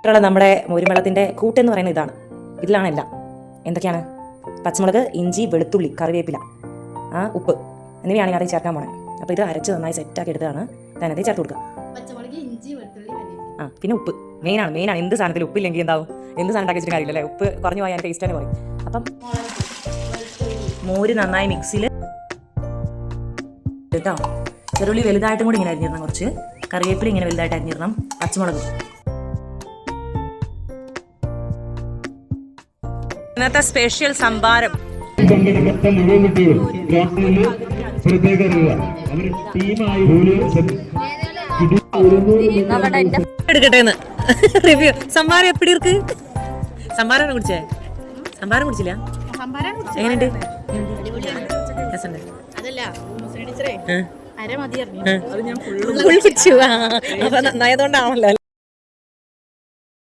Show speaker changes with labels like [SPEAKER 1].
[SPEAKER 1] നമ്മുടെ മോരുവെള്ളത്തിൻ്റെ കൂട്ടെന്ന് പറയുന്നത് ഇതാണ്. ഇതിലാണ് എല്ലാം. എന്തൊക്കെയാണ്? പച്ചമുളക്, ഇഞ്ചി, വെളുത്തുള്ളി, കറിവേപ്പില, ഉപ്പ് എന്നിവയാണ് അതിൽ ചേർക്കാൻ പോണേ. അപ്പോൾ ഇത് അരച്ച് നന്നായി സെറ്റാക്കി എടുത്തതാണ് അതിനകത്ത് ചേർത്ത് കൊടുക്കുക. പിന്നെ ഉപ്പ് മെയിനാണ്. എന്ത് സാധനത്തിൽ ഉപ്പില്ലെങ്കിൽ എന്താവും? എന്ത് സാധനം ഉണ്ടാക്കി വെച്ചിട്ട് കാര്യമില്ലല്ലേ? ഉപ്പ് കുറഞ്ഞു പോയാൽ ടേസ്റ്റ് തന്നെ പറയും. അപ്പം മോര് നന്നായി മിക്സിയിൽ കേട്ടോ. ചെറുള്ളി വലുതായിട്ടും കൂടി ഇങ്ങനെ അരിഞ്ഞിടണം, കുറച്ച് കറിവേപ്പില ഇങ്ങനെ വലുതായിട്ട് അരിഞ്ഞിടണം, പച്ചമുളക്. ഇന്നത്തെ സ്പെഷ്യൽ സംഭാരം. എടുക്കട്ടെ റിവ്യൂ. സംഭാരം എപ്പിടി ഇருக்கு? സംഭാരം കുടിച്ചേ? സംഭാരം കുടിച്ചില്ല? എങ്ങനെയുണ്ട്? അപ്പൊ നന്നായതുകൊണ്ടാണല്ലോ.